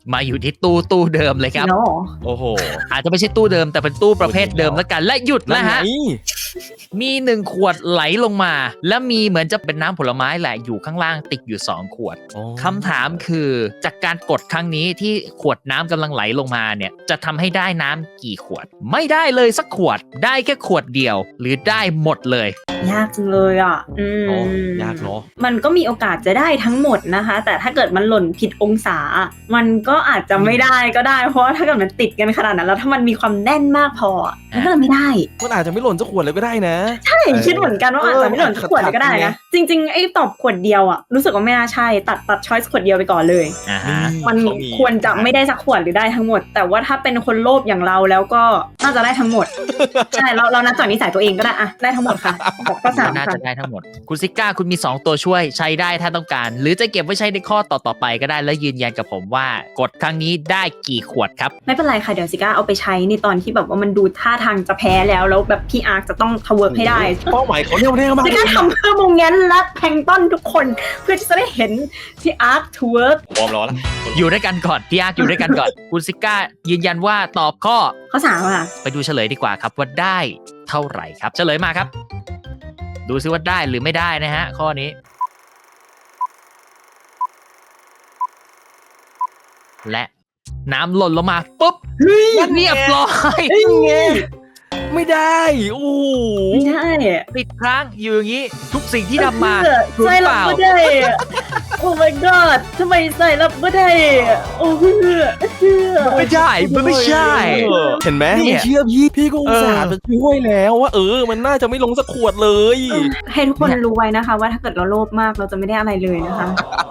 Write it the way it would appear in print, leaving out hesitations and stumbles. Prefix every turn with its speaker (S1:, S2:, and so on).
S1: มาอยู่ที่ตู้เดิมเลยครับ
S2: เนาะ
S3: โอ้โห
S1: อาจจะไม่ใช่ตู้เดิมแต่เป็นตู้ประเภทเดิมแล้วกันและหยุดแล้วฮะ
S3: นั่นไง
S1: มี1ขวดไหลลงมา และมีเหมือนจะเป็นน้ำผลไม้แหละอยู่ข้างล่างติดอยู่2ขวด
S3: โอ้
S1: คำถามคือจากการกดครั้งนี้ที่ขวดน้ำกำลังไหลลงมาเนี่ยจะทำให้ได้น้ำกี่ขวด ไม่ได้เลยสักขวดได้แค่ขวดเดียว หรือได้หมดเลย
S2: ยากจังเลยอ่ะ
S3: โอ้ยากเนาะ
S2: มันก็มีโอกาสจะได้ทั้งหมดนะคะ แต่ถ้าเกิดมันหล่นผิดองศา มันก็อาจจะไม่ได้ก็ได้ เพราะว่าถ้าเกิดมันติดกันขนาดนั้นแล้วถ้ามันมีความแน่นมากพอมันก็เลยไม่ได้
S3: มันอาจจะไม่หล่นสักขวดเลยก็ได้นะ
S2: ใช่คิดเหมือนกันว่าอาจจะไม่หล่นสักขวดเลยก็ได้นะ จริงๆไอ้ตอบขวดเดียวอ่ะรู้สึกว่าไม่น่าใช่ตัดช้อยส์ขวดเดียวไปก่อนเลย
S1: อ่าฮะ
S2: มันควรจะไม่ได้สักขวดหรือได้ทั้งหมด แต่ว่าถ้าเป็นคนโลภอย่างเราแล้วก็น่าจะได้ทั้งหมด ใช่เรานับจากนิสัยตัวเองก็ได้อะได้ทั้งหมดค่ะบอกข้อสาม
S1: น่า
S2: ค่ะ
S1: จะได้ทั้งหมด คุณซิก้าคุณมี2ตัวช่วยใช้ได้ถ้าต้องการ หรือจะเก็บไว้ใช้ในข้อต่อๆไปก็ได้แล้วยืนยันกับผมว่ากดครั้งนี้ได้กี่ขวดครับ
S2: ไม่เป็นไรค่ะเดี๋ยวซิก้าเอาไปใช้ในตอนที่แบบว่ามันดูท่าทางจะแพ้แล้วแบบพี่อาร์คจะต้องทเวิร์กให้ได้
S3: เป้าหมายเขาเรียกว่ามาก
S2: ซิก้าทำเพื่อมงแงนและแพลงก์ต้นทุกคนเพื่อที่จะได้เห็นพี่อาร์คทเวิร์ก
S3: พร้อมรอแล้ว
S1: อยู่ด้วยกันก่อนพี่อาร์คอยู่ด้วยกันก่อน คุณซิก้ายืนยันว่าตอบข้อ
S2: ข้อสามค่ะ
S1: ไปดูเฉลยดีกว่าครับว่าได้เท่าไหร่ครับเฉลยมาครับ ดูซิว่าได้หรือไม่ได้นะฮะข้อนี้ และน้ำหล่นลงมาปุ๊บเรียบร้อย
S3: ไม่ได้โอ้โห
S2: ไม่ได้
S1: ติดค้างอยู่อย่างนี้ทุกสิ่งที่ทำมาถูก
S2: ใส่
S1: เป
S2: รับ
S1: ล่า
S2: ไม่ได้โอ้ my god ทำไมใส่รับไม่ได้โอ้เพื่อ
S1: ไม่ใช่มันไม่ใช่
S3: เห็นไหม
S1: เนี่ย
S3: ไม่เชื่อพี่ก็อุตส่าห์จะช่วยแล้วว่ามันน่าจะไม่ลงสักขวดเลย
S2: ให้ทุกคนรู้ไว้นะคะว่าถ้าเกิดเราโลภมากเราจะไม่ได้อะไรเลยนะคะ